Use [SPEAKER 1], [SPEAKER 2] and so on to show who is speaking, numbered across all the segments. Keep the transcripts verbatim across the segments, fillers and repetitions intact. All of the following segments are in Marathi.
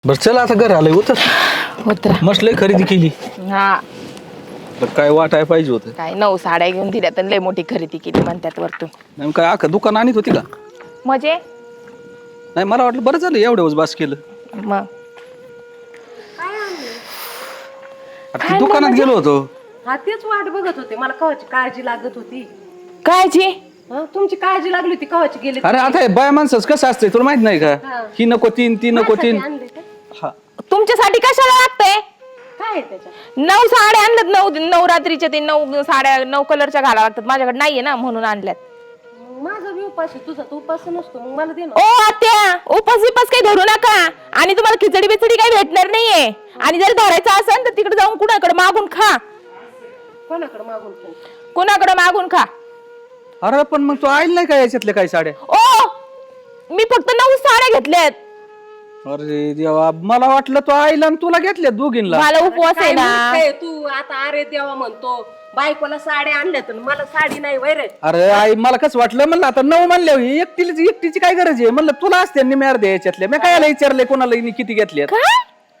[SPEAKER 1] बर चला आता घर आलंय होत
[SPEAKER 2] होत्रा
[SPEAKER 1] मस्त लय खरेदी केली.
[SPEAKER 2] हा
[SPEAKER 1] तर काय वाटाय पाहिजे होतं.
[SPEAKER 2] काय नऊ साड्या घेऊन दिल्या तर लय मोठी खरेदी केली म्हणतात वरतून.
[SPEAKER 1] नेमकं काय अख्खं दुकान आणत होती का?
[SPEAKER 2] म्हणजे
[SPEAKER 1] नाही मला वाटलं बरं झालं एवढं बास केलं.
[SPEAKER 2] मग
[SPEAKER 1] अरे ती दुकानात गेलो होतो.
[SPEAKER 3] हा तेच वाट बघत होते मला कवाची काळजी लागत होती.
[SPEAKER 2] कायची
[SPEAKER 3] हं, तुमची काळजी लागली होती कवाची गेली
[SPEAKER 1] अरे आता हे बाय माणसंच कसं असतंय तुला माहित नाही का?
[SPEAKER 3] हा.
[SPEAKER 1] ही नको तीन ती नको तीन.
[SPEAKER 3] आणले का?
[SPEAKER 1] हा.
[SPEAKER 2] तुमच्यासाठी कशाला लागतंय?
[SPEAKER 3] काय आहे त्याच्यात?
[SPEAKER 2] नऊ साड्या आणल्यात नऊ नवरात्रीच्या ते नऊ साड्या नऊ कलरच्या घाला लागतात माझ्याकडे नाहीये ना म्हणून आणल्यात.
[SPEAKER 3] मग माझा बी उपास आहे तुझा तो उपास नसतो मग मला दे
[SPEAKER 2] ओ
[SPEAKER 3] ना.
[SPEAKER 2] आत्या उपास बिपास काही धरू नका आणि तुम्हाला खिचडी बिचडी काही भेटणार नाहीये आणि जर धरायचं असेल तर तिकडे जाऊन कुणाकडे मागून खा.
[SPEAKER 3] कोणाकडे मागून खाऊ?
[SPEAKER 2] कुणाकडे मागून खा.
[SPEAKER 1] अरे पण मग तू आईल नाही का याच्यातल्या काही साड्या?
[SPEAKER 2] ओ मी फक्त नऊ साड्या घेतल्यात.
[SPEAKER 1] अरे देवा मला वाटलं तू आईला आणि तुला घेतल्या दोघींना.
[SPEAKER 2] मला उपवास आहे
[SPEAKER 3] काय
[SPEAKER 2] ना.
[SPEAKER 3] म्हणते तू आता अरे देवा म्हणतो बायकोला साड्या आणल्या तर मला साडी नाही वैरे.
[SPEAKER 1] अरे आई मला कसं वाटलं म्हणलं आता नऊ म्हणल्या एकटीची एकटीची काय गरज आहे म्हणलं तुला असते निम्यार द्या याच्यातल्या मी काय विचारले कोणाला हिने किती घेतल्यात.
[SPEAKER 2] काय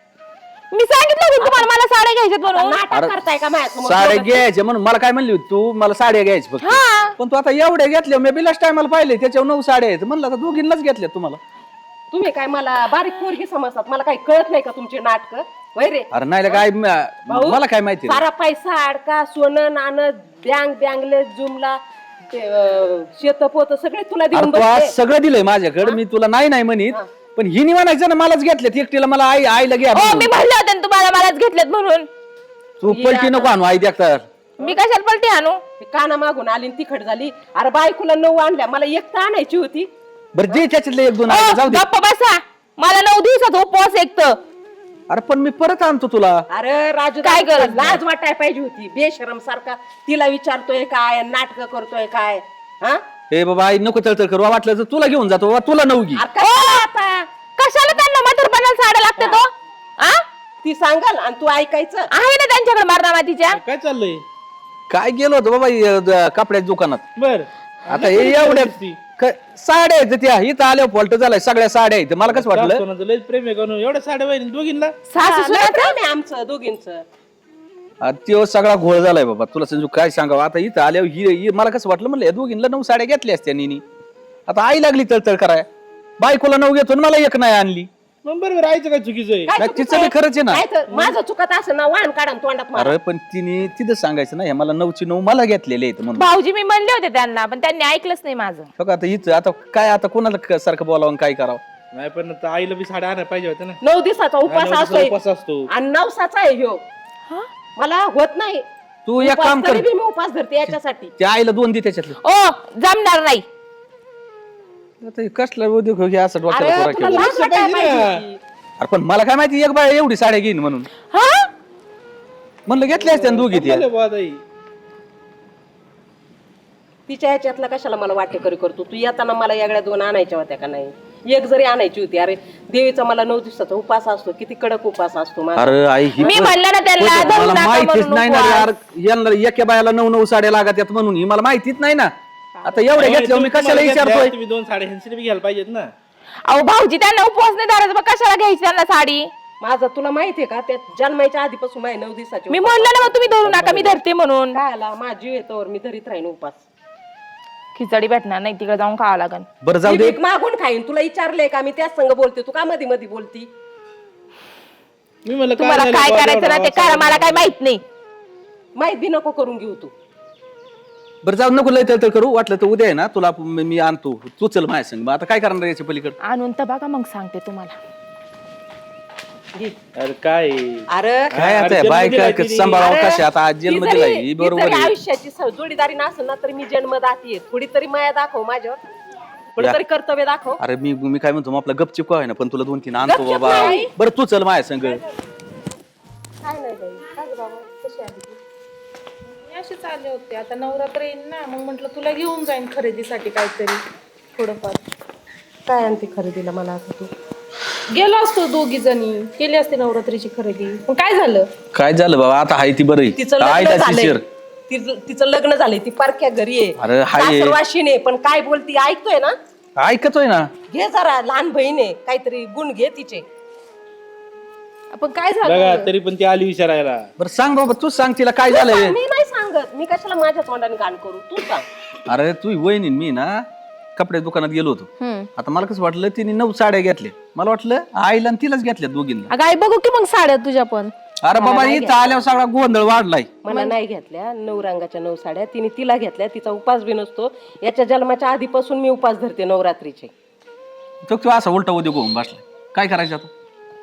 [SPEAKER 2] मी सांगितलं होतं तुम्हाला मला साड्या घ्यायच्यात म्हणून.
[SPEAKER 3] नाटक करताय का माझ्यासमोर?
[SPEAKER 1] साड्या घ्यायच्या म्हणून मला काय म्हणली होती तू मला साड्या घ्यायच्या फक्त.
[SPEAKER 2] हा
[SPEAKER 1] पण तू आता एवढ्या घेतल्या मी बिलास टायमाला पाहिले त्याच्यावर नऊ साड्या आहेत म्हणलं आता दोघींनाच घेतल्या तुम्हाला.
[SPEAKER 3] तुम्ही काय मला बारीक पोरगी समजतात मला काही कळत नाही का तुमचे नाटक वैरे?
[SPEAKER 1] अरे नाही रे काय म- मला काय माहिती रे.
[SPEAKER 3] सारा पैसा अडका सोनं नाणं बँक बँगले जुमला ते अं, शेत पोत सगळे तुला
[SPEAKER 1] अरे
[SPEAKER 3] देऊन
[SPEAKER 1] तू आज
[SPEAKER 3] बसले.
[SPEAKER 1] सगळं दिलंय माझ्याकडे मी तुला नाही नाही म्हणित पण हिनी म्हणायचं ना मलाच घेतल्यात एकटीला मला आई आईला घ्या
[SPEAKER 2] ओ
[SPEAKER 1] म्हणून.
[SPEAKER 2] मी म्हणलं होतं ना तुम्हाला मलाच घेतल्यात म्हणून.
[SPEAKER 1] तू पलटी नको आणू आई देखतर.
[SPEAKER 2] मी कशाला पलटी आणू?
[SPEAKER 3] ती काना मागून आली आणि तिखट झाली. अरे बायकोला नऊ आणल्या मला एक तर आणायची होती.
[SPEAKER 1] बरं दे त्याच्यातले एक दोन
[SPEAKER 2] ओ,
[SPEAKER 1] आई, जाऊ दे.
[SPEAKER 2] गप्प बसा. मला नऊ दिवसाचा उपवास एक तर.
[SPEAKER 1] अरे पण मी परत आणतो तुला.
[SPEAKER 3] अरे राजू
[SPEAKER 2] काय
[SPEAKER 3] दादा,
[SPEAKER 2] गरज नाही.
[SPEAKER 3] लाज वाटाय पाहिजे होती बेशरम सारखा तिला विचारतोय काय नाटक करतोय काय हा?
[SPEAKER 1] हे बाबा आई नको तळतळ करू वाटलं तर तुला घेऊन जातो बाबा, तुला नऊ घे.
[SPEAKER 3] अरे कशाला आता
[SPEAKER 2] कशाला त्यांना म्हातारपणाला साड्या लागतात तो? आ?
[SPEAKER 3] ती सांगाल आणि तू ऐकायचं.
[SPEAKER 2] आहे ना त्यांच्याकडे मारणा मातीच्या.
[SPEAKER 4] काय चाललंय
[SPEAKER 1] काय गेलो होतो बाबा हे, द- कपड्याच्या दुकानात.
[SPEAKER 4] बर
[SPEAKER 1] आता हे एवढ्या क- साड्या आहेत त्या इथं आल्यावर फॉल्ट झालाय सगळ्या साड्या आहेत मला कसं वाटलं
[SPEAKER 4] लय प्रेम आहे करून एवढ्या साड्या वहिनी दोघींना
[SPEAKER 2] सासू
[SPEAKER 3] लय
[SPEAKER 2] सुनाचं?
[SPEAKER 3] प्रेम आहे आमचं दोघींचं.
[SPEAKER 1] तो सगळा घोळ झालाय बाबा तुला समजू काय सांगावं आता इथं आल्यावर ही ही- मला कसं वाटलं म्हणलं या दोघींना नऊ साड्या घेतल्या असत्या निनी आता आई लागली तळतळ कराय बायकोला नऊ घेतो आणि मला एक नाही आणली.
[SPEAKER 4] मग बरोबर आईचं काय चुकीचं आहे
[SPEAKER 3] काय
[SPEAKER 1] नाही,
[SPEAKER 3] चुकीचं
[SPEAKER 1] तिचं बी
[SPEAKER 3] आहे?
[SPEAKER 1] खरंच आहे ना.
[SPEAKER 3] काय तर माझं चुकत असं ना वाहन काढा आणि तोंडात मारा.
[SPEAKER 1] अरे पण तिने तिथं सांगायचं ना हे मला नऊची नऊ मला घेतलेले आहेत म्हणून.
[SPEAKER 2] भाऊजी मी म्हणले होते त्यांना पण त्यांनी ऐकलंच नाही माझं.
[SPEAKER 1] हो का, आता हिचं आता काय आता कोणाला क- सारखं बोलावं आणि काय करावं.
[SPEAKER 4] नाही पण आता आईला बी साड्या आणायला पाहिजे होत्या ना.
[SPEAKER 3] नऊ दिवसाचा
[SPEAKER 4] नऊ
[SPEAKER 3] उपास
[SPEAKER 4] दिवसाचा
[SPEAKER 3] असतोय
[SPEAKER 4] उपवास असतो.
[SPEAKER 3] आणि नवसाचा आहे ह्यो.
[SPEAKER 2] हा?
[SPEAKER 3] मला होत नाही
[SPEAKER 1] तू एक
[SPEAKER 3] उपास,
[SPEAKER 1] काम कर
[SPEAKER 3] तरी बी मी उपास धरते याच्यासाठी.
[SPEAKER 1] त्या आईला दोन दे त्याच्यातलं.
[SPEAKER 2] ओ जमणार नाही.
[SPEAKER 1] आता हे कसला उद्योग हो, हे असं
[SPEAKER 3] अरे
[SPEAKER 1] डोक्याला पोरा
[SPEAKER 3] तुला
[SPEAKER 1] केलं.
[SPEAKER 3] लाज वाटायला
[SPEAKER 4] पाहिजे ना.
[SPEAKER 3] पाहिजे होती.
[SPEAKER 1] अरे पण मला काय माहिती एक बाय एवढी साड्या घेईन म्हणून
[SPEAKER 2] हा
[SPEAKER 1] म्हणलं घेतल्या असत्या ना दोघी त्या.
[SPEAKER 4] चांगलं आहे बुवा ताई.
[SPEAKER 3] तिच्या ह्याच्यातला कशाला मला वाटे करी करतो तू येताना मला यागड्या दोन आणायच्या होत्या का नाही? एक जरी आणायची होती. अरे देवीचा मला नऊ दिवसाचा उपास असतो किती कडक उपास असतो माझा.
[SPEAKER 1] अरे आई ही
[SPEAKER 2] मी
[SPEAKER 1] पण-
[SPEAKER 2] म्हणलं ना त्यांना,
[SPEAKER 1] पण
[SPEAKER 2] धरून
[SPEAKER 1] मला
[SPEAKER 2] टाका
[SPEAKER 1] माहितीच
[SPEAKER 2] म्हणून
[SPEAKER 1] नाही ना
[SPEAKER 2] उपवास.
[SPEAKER 1] यार यांना एका बायाला नऊ नऊ साड्या लागत आहेत म्हणून ही मला माहितीच नाही ना. आता एवढ्या घेतल्या मी कशाला
[SPEAKER 4] तुम्हाला घेतल्या,
[SPEAKER 1] विचारतोय.
[SPEAKER 4] तुम्ही दोन साड्या ह्यांची बी घ्यायला पाहिजेत ना.
[SPEAKER 2] अहो भाऊजी त्यांना उपवास नाही धरायचा मग कशाला घ्यायची त्यांना साडी?
[SPEAKER 3] माझा तुला माहितीये का त्या जन्माच्या आधीपासून माझे नऊ दिवसाचे
[SPEAKER 2] मी
[SPEAKER 3] उपास.
[SPEAKER 2] म्हणलं ना मग तुम्ही धरू नका मी धरते म्हणून.
[SPEAKER 3] काय आला माझी येतोवर मी धरीत राहीन उपास.
[SPEAKER 2] खिचडी भेटणार नाही तिकडे जाऊन खावं लागेल.
[SPEAKER 1] बरं जाऊ
[SPEAKER 3] मी
[SPEAKER 1] दे
[SPEAKER 3] भीक मागून खाईन तुला विचारलंय का मी त्याच संग बोलते तू का मध्ये मध्ये बोलती?
[SPEAKER 4] मी म्हणलं
[SPEAKER 2] तुम्हाला
[SPEAKER 4] झालं
[SPEAKER 2] काय
[SPEAKER 4] बुवा,
[SPEAKER 2] करायचं ना
[SPEAKER 4] एवढा
[SPEAKER 2] ते करा
[SPEAKER 4] आवाज
[SPEAKER 2] मला काय माहित नाही.
[SPEAKER 3] माहित बी नको करून घेऊ तू.
[SPEAKER 1] बरं जाऊ नको लय तळतळ करू वाटलं तर उद्या आहे ना तुला मी मी आणतो तू चल माझ्या संग मग आता काय करणार याच्या पलीकडे.
[SPEAKER 2] आणून तर बघा मग सांगते तुम्हाला.
[SPEAKER 3] घे.
[SPEAKER 4] अरे काय आहे?
[SPEAKER 3] अरे
[SPEAKER 1] काय आता
[SPEAKER 4] अरे,
[SPEAKER 1] बाय
[SPEAKER 4] जन्म दिलाय
[SPEAKER 1] काय
[SPEAKER 4] तिने.
[SPEAKER 1] सांभाळावं
[SPEAKER 3] अरे,
[SPEAKER 1] कशा आता आज
[SPEAKER 3] ती
[SPEAKER 1] जन्म
[SPEAKER 3] जरी-
[SPEAKER 1] दिलाय ही
[SPEAKER 3] ती
[SPEAKER 1] बरोबर
[SPEAKER 3] जरी
[SPEAKER 1] आहे.
[SPEAKER 3] आयुष्याची स- जोडीदारी नसेल ना तरी मी जन्मदाती आहे. थोडी तरी माया दाखव माझ्यावर. थोडं
[SPEAKER 1] या.
[SPEAKER 3] तरी कर्तव्य दाखव.
[SPEAKER 1] अरे मी मी काय म्हणतो मग आपला गपचिप आहे ना पण तुला दोन तीन आणतो
[SPEAKER 3] गपचिप
[SPEAKER 1] बाबा.
[SPEAKER 3] नाही.
[SPEAKER 1] बरं तू चल माझ्या संग.
[SPEAKER 3] काय नाही बाई काय गं बाबा कशी आली तू?
[SPEAKER 5] मी असेच आले होते आता नवरात्र येईल ना मग म्हटलं तुला घेऊन जाईन खरेदीसाठी काहीतरी थोडंफार.
[SPEAKER 3] काय आणते खरेदीला मला आता तू?
[SPEAKER 5] गेलो असतो दोघी जणी केली असते नवरात्रीची खरेदी पण काय झालं?
[SPEAKER 1] काय झालं बाबा आता हाय ती बरं
[SPEAKER 3] तिचं
[SPEAKER 1] काय
[SPEAKER 3] लग्न
[SPEAKER 1] त्याची
[SPEAKER 3] झालंय
[SPEAKER 1] शिर.
[SPEAKER 3] तिचं तिचं लग्न झालंय ती पारख्या घरी
[SPEAKER 1] अरे,
[SPEAKER 3] आहे
[SPEAKER 1] हाय.
[SPEAKER 3] सासरवाशीने पण काय बोलती ऐकतोय ना?
[SPEAKER 1] ऐकतोय ना.
[SPEAKER 3] घे जरा लहान बहीण आहे काहीतरी गुण घे तिचे.
[SPEAKER 5] आपण काय
[SPEAKER 4] बघा
[SPEAKER 5] झालं
[SPEAKER 4] तरी पण ती आली विचारायला.
[SPEAKER 1] बरं सांग बाबा तूच सांग तिला काय झालंय.
[SPEAKER 3] मी नाही सांगत, मी कशाला माझ्या तोंडाने गाण करू, तू सांग.
[SPEAKER 1] अरे तू वहिनी मी ना कपडे दुकानात गेलो होतो.
[SPEAKER 2] हम्म.
[SPEAKER 1] आता मला कसं वाटलं तिने नऊ साड्या घेतल्या, मला वाटलं आईला आणि तिलाच घेतल्या दोघींना.
[SPEAKER 2] अगं आई बघू की मग साड्या तुझ्या पण.
[SPEAKER 1] अरे बाबा इथं आल्यावर सगळा गोंधळ वाढलाय.
[SPEAKER 3] मला नाही घेतल्या नऊ रंगाच्या नऊ साड्या, तिने तिला घेतल्या. तिचा उपास बी नसतो, याच्या जन्माच्या आधीपासून मी उपास धरते नवरात्रीचे.
[SPEAKER 1] तो तू असा उलटा उद्योग होऊन बसलाय, काय करायचं आता.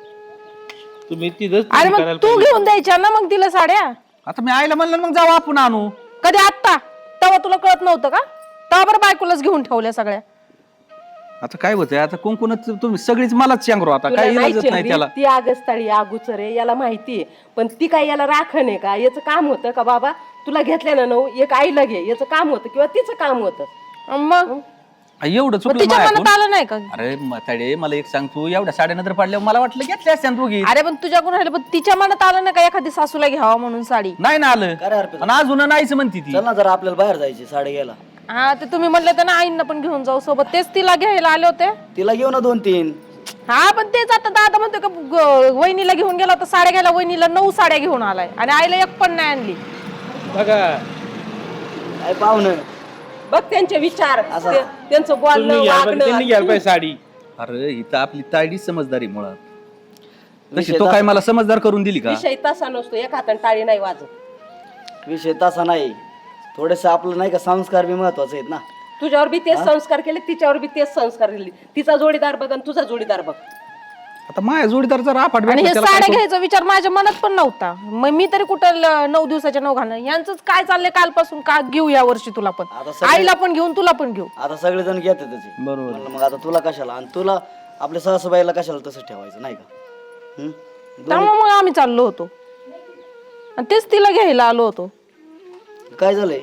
[SPEAKER 4] तुम्ही तिथंच
[SPEAKER 2] अरे
[SPEAKER 4] करायला
[SPEAKER 2] मग तू घेऊन द्यायच्या ना मग तिला साड्या.
[SPEAKER 1] आता मी आईला म्हणलं मग जाऊ आपण आणू.
[SPEAKER 2] कधी आत्ता तेव्हा तुला कळत नव्हतं का? तेव्हा बरं बायकोलाच घेऊन ठेवल्या सगळ्या.
[SPEAKER 1] आता काय होतंय आता कुंकुन तुम्ही सगळीच मलाच सांगरो आता
[SPEAKER 3] तुला
[SPEAKER 1] काय
[SPEAKER 3] नाही
[SPEAKER 1] इलाजच नाही
[SPEAKER 3] चेंबली,
[SPEAKER 1] त्याला.
[SPEAKER 3] ती आगस्ताळी आगुचर आहे याला माहितीये, पण ती काय याला राखण आहे का? याचं काम होतं का बाबा तुला घेतल्या ना नऊ एक आईला घे, याचं काम होतं किंवा तिचं काम होतं.
[SPEAKER 2] मग
[SPEAKER 1] आ, एवढं
[SPEAKER 2] मग
[SPEAKER 1] चुकलं
[SPEAKER 2] तिच्या
[SPEAKER 1] माझ्याकडून.
[SPEAKER 2] मनात आलं नाही का?
[SPEAKER 1] अरे म्हाताडे मला एक सांग, तू एवढ्या साड्या नंतर पडल्यावर मला वाटलं घेतल्या असत्या ना दोघी.
[SPEAKER 2] अरे पण तुझ्याकडून राहिलं, पण तिच्या मनात आलं ना का एखादी सासूला घ्यावा म्हणून साडी.
[SPEAKER 1] नाही ना आलं
[SPEAKER 6] काय रे अर्पिता?
[SPEAKER 1] आणि अजून नाहीच म्हणती ती.
[SPEAKER 6] चल ना जरा आपल्याला बाहेर जायची साडे घ्यायला.
[SPEAKER 2] हा ते तुम्ही म्हणले तर ना आईंना पण घेऊन जाऊ सोबत, तेच तिला घ्यायला आले होते.
[SPEAKER 6] तिला घेऊ ना दोन तीन.
[SPEAKER 2] हा पण तेच आता दादा म्हणतो का ग- वहिनीला घेऊन गेला तर साड्या घ्यायला, वहिनीला नऊ साड्या घेऊन आलाय आणि आईला एक पण नाही आणली.
[SPEAKER 4] बघा
[SPEAKER 6] काय पाहुणं
[SPEAKER 3] बघ त्यांचे विचार, ते- त्यांचं
[SPEAKER 4] तुम्ही
[SPEAKER 3] बोलणं
[SPEAKER 4] घ्या पण त्यांनी घ्यायला
[SPEAKER 3] वागणं.
[SPEAKER 4] पाहिजे साडी.
[SPEAKER 1] अरे इथं आपली तायडी समजदारी मुळात तशी
[SPEAKER 6] विषय
[SPEAKER 1] तो काय मला समजदार करून दिली का.
[SPEAKER 3] विषय तसा नसतो, एक हाताने टाळी नाही वाजत.
[SPEAKER 6] विषय तसा नाही, थोडेस आपलं नाही का संस्कार बी महत्वाचे आहेत ना.
[SPEAKER 3] तुझ्यावर बी तेच संस्कार केले, तिच्यावर बी तेच संस्कार केले. तिचा जोडीदार बघ आणि तुझा जोडीदार बघ.
[SPEAKER 1] आता माझ्या जोडीदारचा राफाट
[SPEAKER 2] आणि
[SPEAKER 1] भेटला,
[SPEAKER 2] हे
[SPEAKER 1] त्याला काय
[SPEAKER 2] साड्या
[SPEAKER 1] करू?
[SPEAKER 2] घ्यायचा विचार माझ्या मनात पण नव्हता. मग मी तरी कुठं ल- नऊ दिवसाच्या नऊ घालणं. यांचंच काय चाललंय कालपासून, का घेऊ या वर्षी तुला पण,
[SPEAKER 6] आता सगळे-
[SPEAKER 2] आईला पण घेऊन तुला पण घेऊ.
[SPEAKER 6] आता सगळेजण घेतात त्याचे.
[SPEAKER 1] बरोबर.
[SPEAKER 6] म्हणलं मग आता तुला कशाला आणि तुला आपल्या सासूबाईला कशाला तसं ठेवायचं नाही का. हं?
[SPEAKER 2] त्यामुळे मग आम्ही चाललो होतो आणि तेच तिला घ्यायला आलो होतो.
[SPEAKER 6] काय झालंय?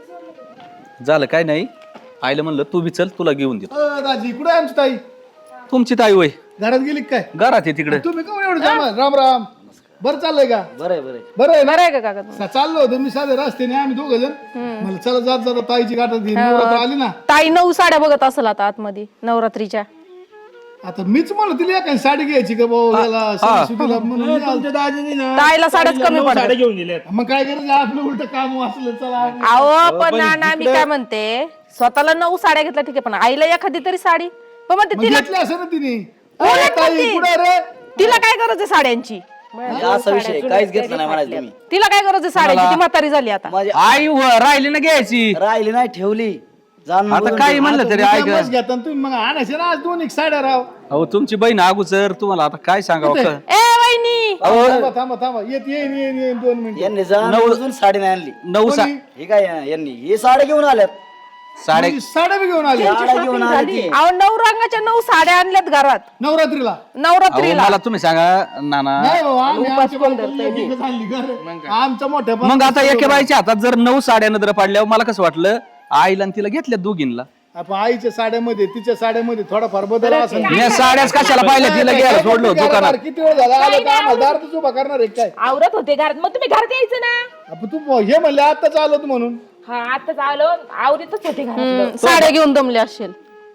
[SPEAKER 1] झालं काय नाही, आईला म्हणलं तू बी चल तुला घेऊन देतो.
[SPEAKER 7] अ, दाजी कुठे आहे आमची ताई?
[SPEAKER 1] तुमची ताई वय
[SPEAKER 7] घरात गेली का काय?
[SPEAKER 1] घरात आहे तिकडे.
[SPEAKER 7] तुम्ही का एवढं जामा? राम राम. बरं चाललंय का?
[SPEAKER 6] बरं आहे बरं आहे.
[SPEAKER 7] बरं आहे ना?
[SPEAKER 2] बरं आहे का काका तुम्ही?
[SPEAKER 7] चा- चाललो होतो मी साधे रस्त्याने, आम्ही दोघ जण. मला चला जात जाता ताईची गाठा ती नवरात्र आली ना.
[SPEAKER 2] ताई नऊ साड्या बघत असेल आता आतमध्ये नवरात्रीच्या.
[SPEAKER 7] आता मीच म्हणलं तिला एखादी साडी घ्यायची का भाऊ याला सणासुदीला म्हणून मी आलो.
[SPEAKER 4] तुमच्या दाजीनी ना
[SPEAKER 2] ताईला साड्याच कमी
[SPEAKER 4] नऊ
[SPEAKER 2] पडतात.
[SPEAKER 4] साड्या घेऊन दिल्यात.
[SPEAKER 7] मग काय करायचं, आपलं उलट काम वाचलं. चला
[SPEAKER 2] अहो पण ना मी काय म्हणते, स्वतःला नऊ साड्या घेतल्या ठीक आहे, पण आईला एखादी तरी साडी. पण म्हणते
[SPEAKER 7] मग
[SPEAKER 2] तिला
[SPEAKER 7] घेतली असं ना तिने.
[SPEAKER 2] उलट
[SPEAKER 7] अरे ताई
[SPEAKER 2] म्हणते.
[SPEAKER 7] कुठे रे?
[SPEAKER 2] तिला काय गरज आहे साड्यांची?
[SPEAKER 6] म्हणजे असा विषय काहीच घेतलं नाही म्हणायचं तुम्ही.
[SPEAKER 2] तिला काय गरज आहे साड्यांची? ती म्हातारी झाली आता.
[SPEAKER 6] माझी
[SPEAKER 1] आई व- राहिली ना घ्यायची.
[SPEAKER 6] राहिली नाही ठेवली. जाण
[SPEAKER 1] आता काही म्हणलं तरी ऐक.
[SPEAKER 7] मस्त घेता आणि तुम्ही मग आणायचे ना आज दोन एक साड्या राव.
[SPEAKER 1] अहो तुमची बहीण अगोदर तुम्हाला आता काय सांगावं का?
[SPEAKER 2] ए वहिनी,
[SPEAKER 7] थांबा थांबा थांबा येत येईन येईन येईन दोन मिनिट.
[SPEAKER 6] यांनी जाण अजून साडी नाही आणली.
[SPEAKER 1] नऊ सा
[SPEAKER 6] हे काय यांनी हे साड्या घेऊन आल्यात.
[SPEAKER 1] साडे
[SPEAKER 7] साड्या बी घेऊन आली
[SPEAKER 6] साड्या घेऊन आली ती.
[SPEAKER 2] अहो नऊ रंगाच्या नऊ साड्या आणल्यात घरात
[SPEAKER 7] नवरात्रीला.
[SPEAKER 1] अहो
[SPEAKER 2] नवरात्रीला.
[SPEAKER 1] मला तुम्ही सांगा नाना,
[SPEAKER 7] नाही हो, आम्ही आमच्या बायकोला एकच आणली घर. आमच्या मोठ्या
[SPEAKER 1] मग आता एके बाईच्या हातात जर नऊ साड्या नजर पडल्यावर मला कसं वाटलं आईला आणि तिला घेतल्या दोघींना.
[SPEAKER 7] आपण आईच्या साड्यामध्ये तिच्या साड्यामध्ये थोडाफार बदल असेल.
[SPEAKER 1] मी साड्याच कशाला पाहिल्या, तिला घ्यायला सोडलो दुकानात.
[SPEAKER 7] किती वेळ झाला आला तर आम्हाला दारातच उभा करणार आहे काय?
[SPEAKER 2] आवरत होते घरात, मग तुम्ही घरात यायचं ना.
[SPEAKER 7] आपण तू हे म्हणले आताच आलो तू म्हणून.
[SPEAKER 2] हा आताच आलो, आवरीतच होते घरात. साड्या घेऊन दमले असेल.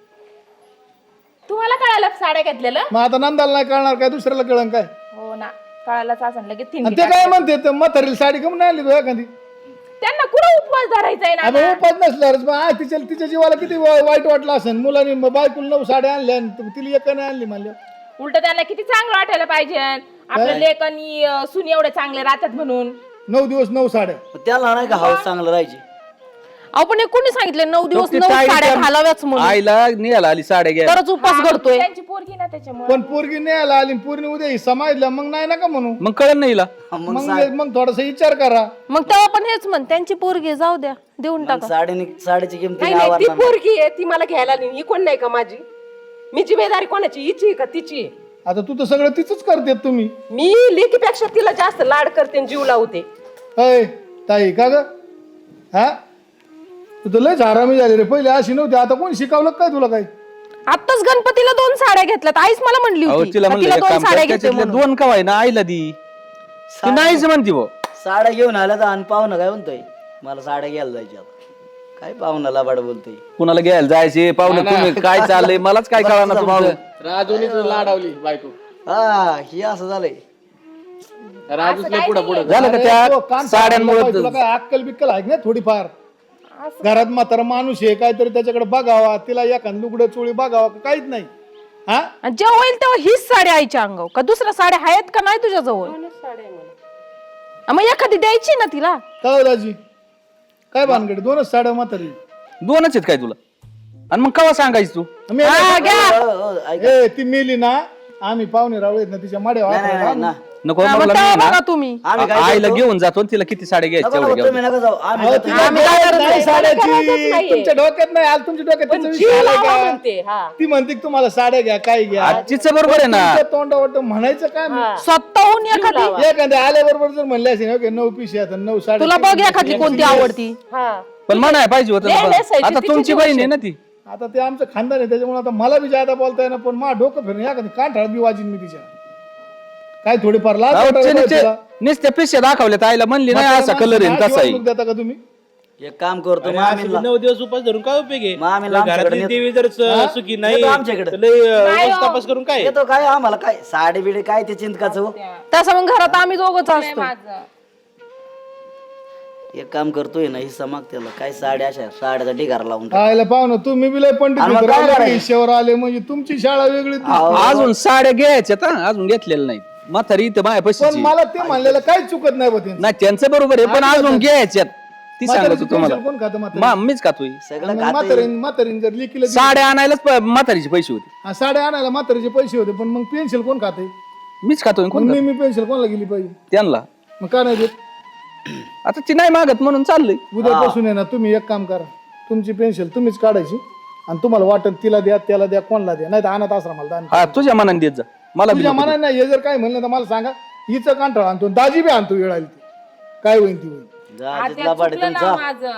[SPEAKER 2] तुम्हाला कळालं साड्या घेतलेलं?
[SPEAKER 7] मग आता नंदाला नाही कळणार काय, दुसऱ्याला कळण काय?
[SPEAKER 2] हो ना, कळायलाच असं लगेच
[SPEAKER 7] आणि
[SPEAKER 2] थिंडी
[SPEAKER 7] ते काय म्हणते ते म्हातारीला साडी कमी नाही आणली तू एखादी?
[SPEAKER 2] त्यांना कुठं उपवास धरायचा आहे
[SPEAKER 7] आपण
[SPEAKER 2] ना.
[SPEAKER 7] उपास नसल्यावरच मग आ, तिच्या तिच्या जीवाला किती वा- वाईट वाटलं असेल. मुलांनी मग बायकोला नऊ साड्या आणल्या आणि तू- तिला एक नाही आणली म्हणल्या.
[SPEAKER 2] उलट त्यांना किती चांगलं वाटायला पाहिजे आपल्या लेक आणि अं, सून एवढे चांगले राहतात म्हणून.
[SPEAKER 7] नऊ दिवस नऊ साड्या.
[SPEAKER 6] मग त्याला नाही का हाऊस चांगलं राहायची.
[SPEAKER 2] आपण हे कोणी सांगितलं नऊ दिवस
[SPEAKER 1] ती
[SPEAKER 2] नऊ
[SPEAKER 1] ताई
[SPEAKER 2] साड्या
[SPEAKER 1] त्या-
[SPEAKER 2] घालाव्याच म्हणून?
[SPEAKER 1] आईला निघाला आली साड्या घ्या.
[SPEAKER 2] तरच उपास घडतोय.
[SPEAKER 5] त्यांची पोरगी ना त्याच्यामुळे.
[SPEAKER 7] पण पोरगी न्यायला आली पूर्ण उद्या हिस्सा माहितला मग नाही ना का म्हणू.
[SPEAKER 1] मग कळलं नाही हिला.
[SPEAKER 6] मग
[SPEAKER 7] मग मग थोडासा विचार करा.
[SPEAKER 2] मग तेव्हा पण हेच म्हण, त्यांची पोरगी जाऊ द्या, देऊन
[SPEAKER 6] मग
[SPEAKER 2] टाका.
[SPEAKER 6] साडीने साडीची किंमत
[SPEAKER 3] नाही नाही, ती पोरगी आहे ती मला घ्यायला नाही. ही कोण नाही का माझी? मी जिम्मेदारी कोणाची, हिची आहे का तिची आहे?
[SPEAKER 7] आता तू तर सगळं तिचंच करते तुम्ही.
[SPEAKER 3] मी लेकीपेक्षा तिला जास्त लाड करते आणि जीव लावते.
[SPEAKER 7] अय ताई का ग, हा तू तर लयच हरामी झाली रे. पहिले अशी नव्हती, आता कोण शिकवलं काय तुला काय?
[SPEAKER 2] आताच गणपतीला दोन साड्या घेतल्यात. आईच मला म्हणली
[SPEAKER 1] अहो
[SPEAKER 2] होती
[SPEAKER 1] तिला
[SPEAKER 2] का
[SPEAKER 1] म्हणलं
[SPEAKER 2] तिला
[SPEAKER 1] एक
[SPEAKER 2] दोन
[SPEAKER 1] काम कर,
[SPEAKER 2] साड्या घेते
[SPEAKER 1] त्याच्यातल्या
[SPEAKER 2] म्हणून.
[SPEAKER 1] दोन कवाय ना आईला दी. ती नाहीच म्हणती भाऊ.
[SPEAKER 6] साड्या घेऊन आल्या तर आणि पाहुणं काय म्हणतोय मला साड्या घ्यायला जायच्या आता. काय पाहुणा लाबाड बोलतोय.
[SPEAKER 1] कुणाला घ्यायला जायचे पाहुणे, तुम्ही काय चाललंय मलाच काय कळणार तुमचं.
[SPEAKER 6] हा ही असं झालंय.
[SPEAKER 1] पुढे पुढे झालं का
[SPEAKER 7] अरे, तो
[SPEAKER 1] त्या
[SPEAKER 7] कान
[SPEAKER 1] साड्यांमुळे
[SPEAKER 7] तुला काय अक्कल बिक्कल आहे ना थोडीफार घरात म्हातारा माणूस आहे काहीतरी त्याच्याकडे बघावा तिला एखाद लुगडं चोळी बघावा का काहीच नाही हा
[SPEAKER 2] आणि जेव्हा होईल तेव्हा हीच साडी आईच्या अंगावर का दुसऱ्या साड्या आहेत का नाही तुझ्या जवळ मग एखादी द्यायची ना तिला
[SPEAKER 7] काय दाजी काय भानगड दोनच साड्या म्हातारी
[SPEAKER 1] दोनच आहेत काय तुला आणि मग केव्हा सांगायचं तू
[SPEAKER 7] मी-
[SPEAKER 2] हा, घ्या.
[SPEAKER 6] हो, हो, ऐका.
[SPEAKER 7] ए ती मेली ना आम्ही पाहुणे रावळे ना तिच्या माड्या
[SPEAKER 6] नाही, नाही, नाही, ना.
[SPEAKER 1] नको
[SPEAKER 2] हा, मग
[SPEAKER 1] मला
[SPEAKER 2] तेव्हा
[SPEAKER 1] नाही
[SPEAKER 2] बघा
[SPEAKER 1] ना.
[SPEAKER 2] तुम्ही
[SPEAKER 6] आम्ही काय
[SPEAKER 1] आ- आईला
[SPEAKER 6] करतो?
[SPEAKER 1] घेऊन जातो आणि तिला किती साड्या घ्यायच्या
[SPEAKER 6] नको,
[SPEAKER 1] तेवढ्या
[SPEAKER 6] नको,
[SPEAKER 1] घ्या.
[SPEAKER 6] तुम्ही नका जाऊ आम्ही
[SPEAKER 7] अहो,
[SPEAKER 6] जातो.
[SPEAKER 7] तिला
[SPEAKER 2] आम्ही काय
[SPEAKER 7] गरज
[SPEAKER 2] करत
[SPEAKER 7] नाही
[SPEAKER 2] नाही,
[SPEAKER 7] साड्याची
[SPEAKER 3] गरजच नाहीये.
[SPEAKER 7] तुमच्या डोक्यात नाही आलं तुमच्या डोक्यात
[SPEAKER 3] पण
[SPEAKER 7] त्याचा
[SPEAKER 3] जीव
[SPEAKER 7] विषय आलाय
[SPEAKER 3] लावा
[SPEAKER 7] का?
[SPEAKER 3] म्हणते हा
[SPEAKER 7] ती म्हणते की तुम्हाला साड्या घ्या काय घ्या
[SPEAKER 1] आजचीच बरोबर आहे ना
[SPEAKER 7] तुमच्या तोंडावर म्हणायचं काय
[SPEAKER 2] स्वतःहून एखादी
[SPEAKER 7] एखाद्या आल्याबरोबर जर म्हणले असेल ओके नऊ पिशी आता नऊ साडे
[SPEAKER 2] तुला बघ एखादी कोणती आवडती
[SPEAKER 3] हा
[SPEAKER 1] पण म्हणाय पाहिजे होतं ना
[SPEAKER 3] नाही,
[SPEAKER 1] बा.
[SPEAKER 3] नेसायची
[SPEAKER 1] आता
[SPEAKER 3] तिची
[SPEAKER 1] तुमची
[SPEAKER 3] गोष्ट.
[SPEAKER 1] बहीण आहे ना ती
[SPEAKER 7] आता ते आमचं खानदान आहे त्याच्यामुळे आता मला बी जादा बोलता येणार पण मा डोकं फिरून एखादी कांठाळ बी वाजीन मी तिच्या काय थोडीफार लाज
[SPEAKER 1] अहो,
[SPEAKER 7] वाटायला
[SPEAKER 1] चे-
[SPEAKER 7] पाहिजे
[SPEAKER 1] चे-
[SPEAKER 7] तुला.
[SPEAKER 1] नुसत्या पिशव्या दाखवल्या आईला म्हणली नाही
[SPEAKER 7] म्हाताऱ्या
[SPEAKER 1] असा कलर आहे
[SPEAKER 7] माणसाला
[SPEAKER 1] तसा आहे
[SPEAKER 7] अशी वागणूक देता का तुम्ही
[SPEAKER 6] एक काम करतो
[SPEAKER 4] अरे
[SPEAKER 6] मग आम्ही
[SPEAKER 4] असं नऊ दिवस उपास धरून काय उपयोग आहे
[SPEAKER 6] मग आम्ही
[SPEAKER 4] जर
[SPEAKER 6] आमच्याकडे
[SPEAKER 4] घरातली
[SPEAKER 6] नेतो.
[SPEAKER 4] देवी जर स- सुखी नाही
[SPEAKER 6] येतो आमच्याकडे.
[SPEAKER 4] तर लय, अं, उगाच तपास करून काय
[SPEAKER 6] येतो काय आम्हाला काय साडी बिडी काय ते चिंतकाचं हो?
[SPEAKER 2] तसं मग घरात आम्ही दोघच असतो
[SPEAKER 6] एक काम करतोय ना हिस्सा माग त्याला काय साड्या अशा साड्याचा ढिगारा लावून टाक.
[SPEAKER 7] आयला पाहुणं तुम्ही बी लय पंडित
[SPEAKER 6] आणि मग
[SPEAKER 7] होते,
[SPEAKER 6] काय
[SPEAKER 7] रावळे
[SPEAKER 6] करायचं?
[SPEAKER 7] हिश्श्यावर आले म्हणजे तुमची शाळा वेगळी ती.
[SPEAKER 1] अजून साड्या घ्यायच्या हा अजून घेतलेल्या नाही म्हातारी इथं माया
[SPEAKER 7] पण
[SPEAKER 1] पैशाची
[SPEAKER 7] मला ते म्हणलेलं काहीच चुकत नाही बा त्यांचं.
[SPEAKER 1] नाही त्यांचं बरोबर आहे पण अजून घ्यायच्यात ती
[SPEAKER 7] म्हातारीचं
[SPEAKER 1] सांगायचं तुम्हाला
[SPEAKER 7] पेन्शन कोण खातं म्हातारी?
[SPEAKER 1] मा- मीच खातोय
[SPEAKER 6] सगळं
[SPEAKER 7] आणि
[SPEAKER 6] खात
[SPEAKER 7] म्हातारीन म्हातारीन जर लिखीला दिली-
[SPEAKER 1] साड्या आणायलाच प- म्हातारीचे पैसे होते
[SPEAKER 7] हा, साड्या आणायला म्हातारीचे पैसे होते पण मग पेन्शन कोण खाते
[SPEAKER 1] मीच खातोय
[SPEAKER 7] मग
[SPEAKER 1] कोण
[SPEAKER 7] मी
[SPEAKER 1] खातं?
[SPEAKER 7] मी पेन्शन कोणाला गेली पाहिजे
[SPEAKER 1] त्यांना
[SPEAKER 7] मग का नाही देत
[SPEAKER 1] आता ती नाही मागत म्हणून चाललंय
[SPEAKER 7] उद्यापासून आहे ना तुम्ही एक काम करा तुमची पेन्शन तुम्हीच काढायची आणि तुम्हाला वाटत तिला द्या त्याला द्या कोणाला द्या नाही तर अनाथ आश्रमाला दान करा.
[SPEAKER 1] हा तुझ्या मनाने देत जा मला बी
[SPEAKER 7] तुझ्या
[SPEAKER 1] नको
[SPEAKER 7] मनाने नाही हे जर काय म्हणलं तर मला सांगा हिचं कांठाळ आणतो दाजी बी आणतो वेळाला ती काय होईल ती होईल
[SPEAKER 6] जा जिथला पाडे तुमचा
[SPEAKER 1] देऊ.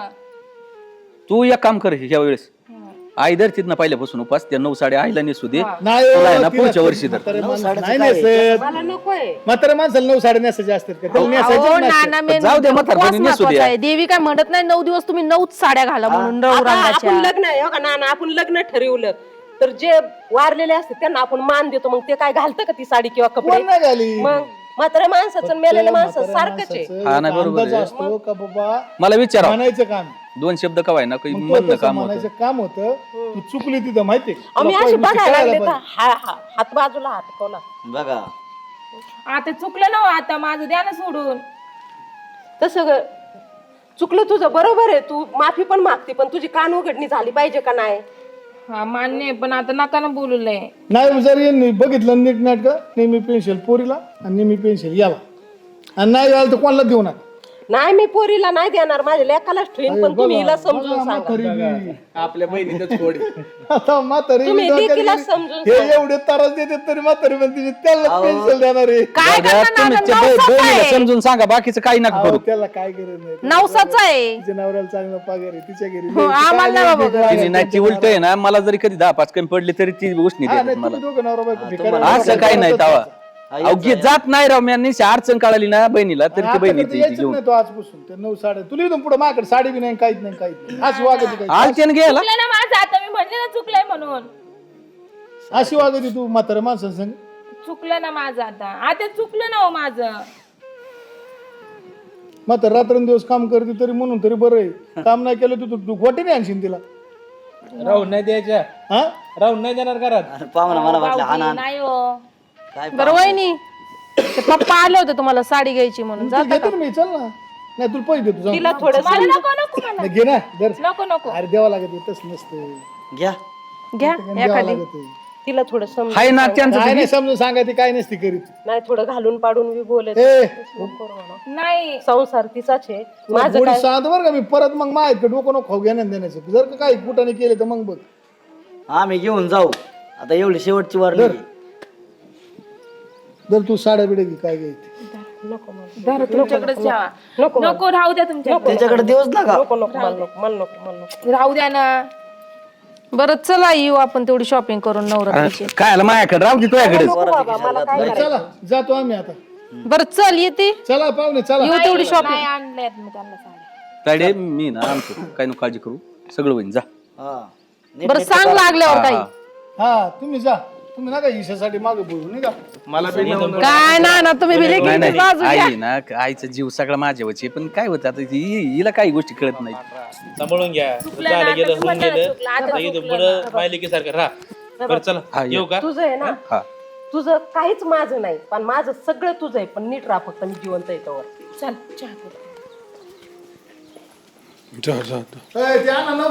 [SPEAKER 1] तू एक काम कर ह्या वेळेस आई धर तिथनं पहिल्यापासून उपास त्या नऊ साड्या आईला नेसू दे
[SPEAKER 7] नाही
[SPEAKER 1] तुला आहे ना
[SPEAKER 7] तिला
[SPEAKER 1] पुढच्या वर्षी तर
[SPEAKER 7] म्हातारे
[SPEAKER 6] नऊ
[SPEAKER 7] माणसं
[SPEAKER 6] साड्याचं
[SPEAKER 7] नाही
[SPEAKER 6] काय?
[SPEAKER 7] नेसत
[SPEAKER 3] मला नकोय
[SPEAKER 7] म्हातारे माणसाला नऊ साडे नेसायचे असतात का त्याला नेसायचेच
[SPEAKER 2] अहो,
[SPEAKER 7] नसतात.
[SPEAKER 2] नाना मेन
[SPEAKER 1] जाऊ दे, म्हातारपणी
[SPEAKER 2] उपवास
[SPEAKER 1] नेसू
[SPEAKER 2] महत्वाचा
[SPEAKER 1] द्या.
[SPEAKER 2] आहे. देवी काय म्हणत नाही नऊ दिवस तुम्ही नऊच साड्या घाला म्हणून नऊ
[SPEAKER 3] आता
[SPEAKER 2] रंगाच्या
[SPEAKER 3] आपण लग्न आहे हो का नाना आपण लग्न ठरवलं तर जे वारलेले असते त्यांना आपण मान देतो मग ते काय घालतं का ती साडी किंवा कपडे
[SPEAKER 7] कोण नाही झाली
[SPEAKER 3] मग म्हाताऱ्या माणसाचं आणि मेलेल्या माणसाचं सारखंच आहे
[SPEAKER 1] हा, नाही, बरोबर
[SPEAKER 7] अंदाज
[SPEAKER 1] आहे.
[SPEAKER 7] असतो का बाबा
[SPEAKER 1] मला विचारा
[SPEAKER 7] म्हणायचं काम
[SPEAKER 1] दोन शब्द कवाय ना काही
[SPEAKER 7] मग तो
[SPEAKER 1] म्हणणं
[SPEAKER 7] तसं
[SPEAKER 1] काम होतं
[SPEAKER 7] म्हणायचं काम होतं तू चुकली तिथं माहितीये
[SPEAKER 3] आम्ही
[SPEAKER 7] तुला
[SPEAKER 3] अशी
[SPEAKER 7] पहिली
[SPEAKER 3] बघायला
[SPEAKER 7] शिकायला
[SPEAKER 3] लागले तर
[SPEAKER 7] पाहिजे.
[SPEAKER 3] हा- हा- हात बाजूला हात कोला
[SPEAKER 6] बघा
[SPEAKER 2] आता चुकलं ना हो, आता माझं द्या ना सोडून
[SPEAKER 3] तसं ग- चुकलं तुझं बरोबर आहे तू माफी पण मागते पण तुझी कान उघडणी झाली पाहिजे का नाही
[SPEAKER 2] हा मान्य आहे, पण आता नका ना बोलूलय
[SPEAKER 7] नाही जर यांनी बघितलं नीट नाट का नेहमी पेन्शन पोरीला आणि नेहमी पेन्शन याला आणि नाही यायला तर कोणाला देऊ नका
[SPEAKER 3] नाही मी पोरीला नाही देणार माझ्या लेकालाच ठेवीन पण तुम्ही हिला समजून
[SPEAKER 7] बघा,
[SPEAKER 3] सांगा
[SPEAKER 7] म्हातारी बी.
[SPEAKER 1] आपल्या बहिणीचं थोडी
[SPEAKER 7] आता म्हातारी
[SPEAKER 3] तुम्ही
[SPEAKER 7] बी डोक्यात
[SPEAKER 3] लेकीला
[SPEAKER 7] गेली.
[SPEAKER 3] समजून
[SPEAKER 7] हे एवढे त्रास देतात तरी म्हातारी म्हणते त्याला पेन्शन देणार आहे
[SPEAKER 2] काय करणार
[SPEAKER 1] तुम्ही
[SPEAKER 2] नाना,
[SPEAKER 1] त्या
[SPEAKER 2] नवसाचं
[SPEAKER 1] बहिणीला
[SPEAKER 2] आहे.
[SPEAKER 1] समजून सांगा बाकीचं काही नका
[SPEAKER 7] अहो,
[SPEAKER 1] करू
[SPEAKER 7] त्याला काय गरज नाही
[SPEAKER 2] नवसाचा आहे
[SPEAKER 7] तिच्या नवऱ्याला चांगला पगार आहे तिच्या घरी
[SPEAKER 2] हो, आम्हाला नाही बाबा गरज.
[SPEAKER 1] तिने नाही ती उलट आहे ना मला जरी कधी दहा पाच कमी पडली तरी ती गोष्ट
[SPEAKER 7] हा,
[SPEAKER 1] नाही
[SPEAKER 7] नाही,
[SPEAKER 1] देत मला
[SPEAKER 7] तुम्ही दोघं नवरा बायको भिकारी आहे.
[SPEAKER 1] असं काही नाही तवा
[SPEAKER 6] आई
[SPEAKER 1] अवघी जात नाही राव मी अडचण कळाली ना बहिणीला तरी ती
[SPEAKER 7] आता
[SPEAKER 1] बहिणी
[SPEAKER 7] तर
[SPEAKER 1] ती
[SPEAKER 7] यायचंच
[SPEAKER 1] घेऊन
[SPEAKER 7] नाही तो आजपासून ते नऊ साडे तुला इथून पुढे माझ्याकडे साडी बी नाही काहीच नाही काहीच नाही अशी वागती काय
[SPEAKER 1] आलते ना घ्यायला
[SPEAKER 2] चुकलं ना माझं आता मी म्हणले ना चुकलंय म्हणून
[SPEAKER 7] अशी वागती तू म्हातारा माणसांसंग
[SPEAKER 2] चुकलं ना माझं आता आता चुकलं ना हो माझं
[SPEAKER 7] म्हातारा रात्रंदिवस काम करते तरी म्हणून तरी बरं आहे काम नाही केलं तू तू गोटे नाही आणशील तिला
[SPEAKER 4] राहून नाही द्यायच्या
[SPEAKER 7] हा
[SPEAKER 4] राहून नाही देणार घरात
[SPEAKER 6] अरे पाहुणा मला वाटलं हा ना
[SPEAKER 2] नाही हो
[SPEAKER 6] काय
[SPEAKER 2] बरं वहिनी ते पप्पा आले होते तुम्हाला साडी घ्यायची म्हणून
[SPEAKER 7] तू घेते ना मी चल ना नाही तुला पैसे देतो जाऊन.
[SPEAKER 3] तिला थोडं
[SPEAKER 2] मला नको नको मला
[SPEAKER 7] नाही, घे ना दर
[SPEAKER 2] नको नको
[SPEAKER 7] अरे द्यावं लागत तस नसतं
[SPEAKER 6] घ्या
[SPEAKER 2] घ्या
[SPEAKER 7] द्यावं
[SPEAKER 2] एखादी
[SPEAKER 7] लागत
[SPEAKER 3] तिला थोडं समजून
[SPEAKER 1] हाय ना त्यांचं
[SPEAKER 7] काय नाही समजून सांगायची काय नसती करीत
[SPEAKER 3] नाही थोडं घालून पाडून बी बोलत
[SPEAKER 7] ए
[SPEAKER 2] नाही
[SPEAKER 3] संसार तिचाच आहे माझं
[SPEAKER 7] गोडी
[SPEAKER 3] काय
[SPEAKER 7] सांगतो बरं का मी परत मग माहित का डोकं नको खाऊ घेण्यात देण्याचं जर का काही कुठाने केले तर मग बघ
[SPEAKER 6] आम्ही घेऊन जाऊ आता एवढी शेवटची वार नाही.
[SPEAKER 7] जर तू साड्या बिड्या घे काय घ्यायची
[SPEAKER 2] धरा तुमच्याकडेच ठेवा नको राहू द्या तुमच्या
[SPEAKER 6] त्याच्याकडे देऊच नका
[SPEAKER 3] नको नको मला नको मला नको मला नको
[SPEAKER 2] राहू द्या ना बरं चला येऊ आपण तेवढी शॉपिंग करून नवरात्रीची
[SPEAKER 1] काय आलं माझ्याकडे राहू दे तुझ्याकडे
[SPEAKER 7] बरं, चला जातो आम्ही आता
[SPEAKER 2] बरं चल येते
[SPEAKER 7] चला पाहुणे चला
[SPEAKER 2] येऊ तेवढी शॉपिंग आणल्यात मी त्यांना साड्या
[SPEAKER 1] ताडे मी ना आणतो काय नको काळजी करू सगळं होईन जा
[SPEAKER 6] हा
[SPEAKER 2] बरं सांग लागल्यावर काही
[SPEAKER 7] हा तुम्ही जा तुम्ही नका हिशासाठी मागे बोलू नाही का
[SPEAKER 4] मला बी नवं-
[SPEAKER 2] काय ना ना तुम्ही बी
[SPEAKER 1] नाही
[SPEAKER 2] लेकीची बाजू
[SPEAKER 1] नाही
[SPEAKER 2] घ्या.
[SPEAKER 1] आई ना आईचा जीव सगळा माझ्यावरची पण काय होतं आता हि- हिला काही गोष्टी कळत नाही
[SPEAKER 4] सांभाळून घ्या झालं गेलं होऊन गेलं आता इथं पुढं माहिली की सारखं राहा बरं चला
[SPEAKER 1] हा,
[SPEAKER 4] येऊ का
[SPEAKER 3] तुझं आहे ना
[SPEAKER 1] हा
[SPEAKER 3] तुझं काहीच माझं नाही पण माझं सगळं तुझं आहे पण नीट राहा फक्त मी जिवंत येतो
[SPEAKER 5] चल चहा करू.
[SPEAKER 7] ए, ते आणा ना